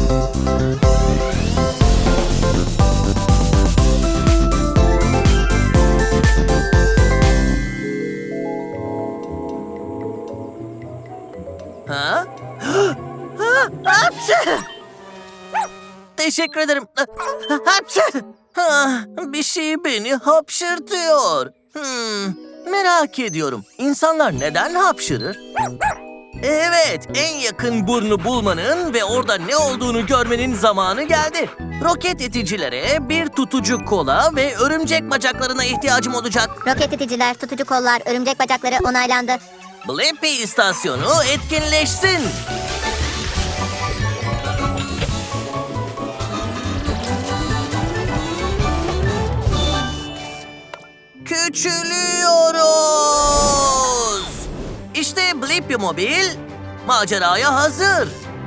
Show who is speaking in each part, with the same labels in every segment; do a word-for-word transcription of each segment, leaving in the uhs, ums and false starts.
Speaker 1: Ha? Ha? Hapşı! Teşekkür ederim. Hapşı! Ha, bir şey beni hapşırtıyor. Hmm, merak ediyorum. İnsanlar neden hapşırır? Evet, en yakın burnu bulmanın ve orada ne olduğunu görmenin zamanı geldi. Roket iticilere bir tutucu kola ve örümcek bacaklarına ihtiyacım olacak.
Speaker 2: Roket iticiler, tutucu kollar, örümcek bacakları onaylandı.
Speaker 1: Blippi istasyonu etkinleşsin. Küçülüyoruz. İşte Blippi Mobil maceraya hazır.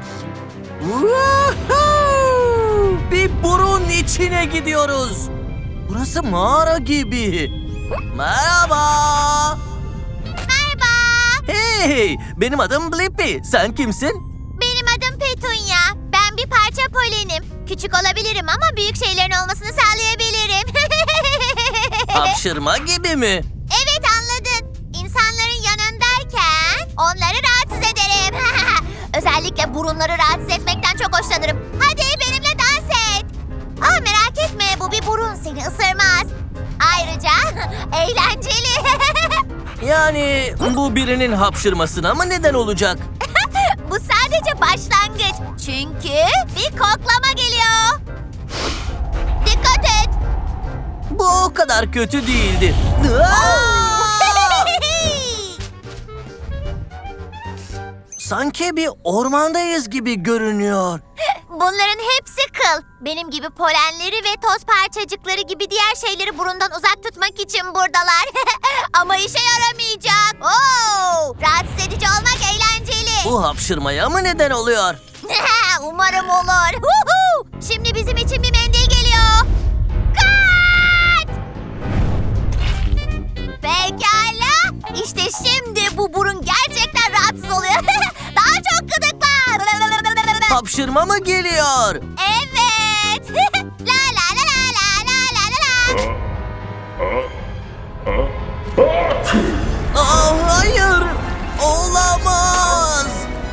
Speaker 1: Woohoo! Bir burun içine gidiyoruz. Burası mağara gibi. Merhaba.
Speaker 2: Merhaba.
Speaker 1: Hey, benim adım Blippi. Sen kimsin?
Speaker 2: Benim adım Petunia. Ben bir parça polenim. Küçük olabilirim ama büyük şeylerin olmasını sağlayabilirim.
Speaker 1: Hapşırma gibi mi?
Speaker 2: Evet, anladın. İnsanların yanındayken onları rahatsız ederim. Özellikle burunları rahatsız etmekten çok hoşlanırım. Hadi benimle dans et. Aa, merak etme, bu bir burun, seni ısırmaz. Ayrıca eğlenceli.
Speaker 1: Yani bu birinin hapşırmasına mı neden olacak?
Speaker 2: Bu sadece başlangıç. Çünkü bir koklama geliyor. Dikkat et.
Speaker 1: Bu o kadar kötü değildi. Aa! Sanki bir ormandayız gibi görünüyor.
Speaker 2: Bunların hepsi kıl. Benim gibi polenleri ve toz parçacıkları gibi diğer şeyleri burundan uzak tutmak için buradalar. Ama işe yaramayacak. Oo! Rahatsız edici olmak eğlenceli.
Speaker 1: Bu hapşırmaya mı neden oluyor?
Speaker 2: Umarım olur. Huhu! Şimdi bizim için bir mendil geliyor. Kaç! Pekala. İşte şimdi bu burun gerçekten rahatsız oluyor. Daha çok gıdıkla.
Speaker 1: Hapşırma mı geliyor?
Speaker 2: Evet. La la la la la la la la.
Speaker 1: Aa, hayır. Olamaz.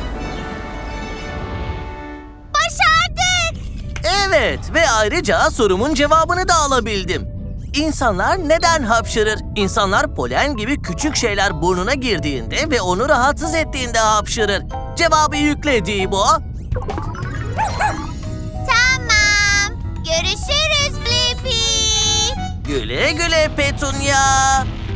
Speaker 2: Başardık.
Speaker 1: Evet ve ayrıca sorumun cevabını da alabildim. İnsanlar neden hapşırır? İnsanlar polen gibi küçük şeyler burnuna girdiğinde ve onu rahatsız ettiğinde hapşırır. Cevabı yüklediği bu.
Speaker 2: Tamam. Görüşürüz Blippi.
Speaker 1: Güle güle Petunia.